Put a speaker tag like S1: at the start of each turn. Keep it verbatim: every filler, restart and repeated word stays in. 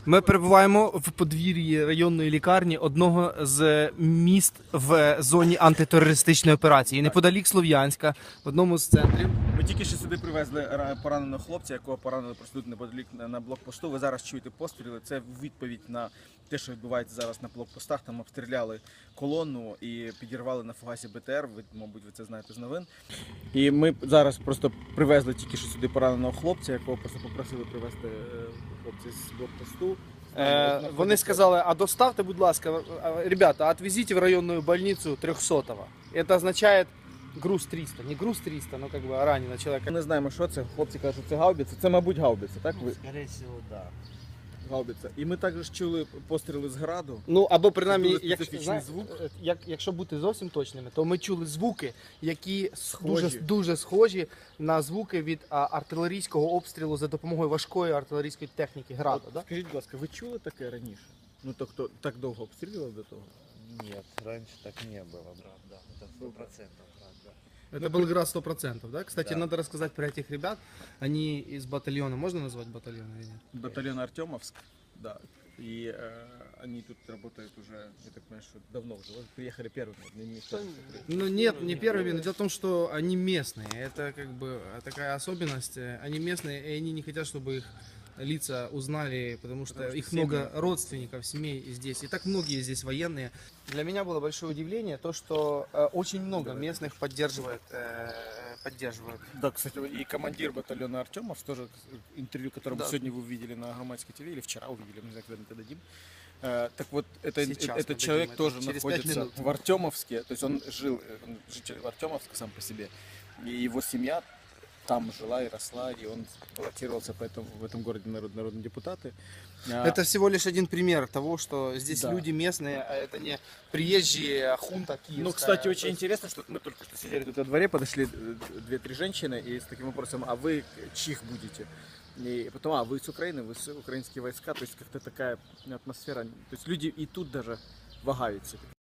S1: Ми перебуваємо в подвір'ї районної лікарні одного з міст в зоні антитерористичної операції. Неподалік Слов'янська, в одному з центрів.
S2: Ми тільки що сюди привезли ра- пораненого хлопця, якого поранили просто тут неподалік на- на блокпосту. Ви зараз чуєте постріли. Це відповідь на те, що відбувається зараз на блокпостах. Там обстріляли колону і підірвали на фугасі БТР. Ви, мабуть, ви це знаєте з новин. І ми зараз просто привезли тільки що сюди пораненого хлопця, якого просто попросили привезти е, хлопця з блокпосту.
S1: Е, вони сказали, а доставте, будь ласка, е, ребята, отвезіть в районну больницю трьохсотого. Це означає груз триста. Не груз триста, но как бы ранено человека.
S2: Ми не знаємо, що це. Хлопці кажуть, що це гаубиця. Це, мабуть, гаубиця, так? Ви?
S3: Скорее всего, да.
S2: Гаубиця. І ми також чули постріли з граду.
S1: Ну, або принаймні,
S2: Дуже
S1: як,
S2: специфічний
S1: зна-
S2: звук.
S1: е, як, якщо бути зовсім точними, то ми чули звуки, які с-
S2: Схожі.
S1: дуже, дуже схожі на звуки від а, артилерійського обстрілу за допомогою важкої артилерійської техніки граду.
S2: От
S1: Да?
S2: скажіть, будь ласка, ви чули таке раніше? Ну, то хто так довго обстрілював до того?
S3: Нет, раньше так не было, брат, да. Это сто процентов, брат, да.
S1: Это был град сто процентов, да? Кстати,
S3: Да.
S1: надо рассказать про этих ребят. Они из батальона, можно назвать батальон или нет?
S2: Батальон Артемовск, да. И э, они тут работают уже, я так понимаю, что давно уже. Вот приехали первыми. Не, не вторыми.
S1: Ну нет, не первыми, но дело в том, что они местные. Это как бы такая особенность. Они местные, и они не хотят, чтобы их лица узнали, потому что
S2: Потому что
S1: их
S2: семьи.
S1: много родственников, семей здесь. И так многие здесь военные. Для меня было большое удивление то, что э, очень много
S2: Давай.
S1: местных поддерживает, э, поддерживают.
S2: Да, кстати, и командир батальона Артемовск, тоже интервью, которое
S1: Да.
S2: сегодня вы увидели на Громадской ТВ, или вчера увидели, не знаю, когда мы это дадим. Э, Так вот, это,
S1: Сейчас мы
S2: этот
S1: дадим
S2: человек
S1: это.
S2: тоже
S1: Через пять
S2: находится
S1: минут.
S2: в Артемовске, то есть он жил, э, он житель Артемовска сам по себе, и его семья там жила и росла, и он баллотировался поэтому в этом городе народ, народные депутаты. А,
S1: Это всего лишь один пример того, что здесь
S2: Да.
S1: люди местные, а это не приезжие хунта киевская.
S2: Ну, кстати,
S1: То
S2: очень
S1: есть-
S2: интересно, что мы только что сидели тут во дворе, подошли э, две-три женщины и с таким вопросом, а вы чьих будете? И потом, а вы с Украины, вы с украинские войска, то есть как-то такая атмосфера, то есть люди и тут даже вагаются.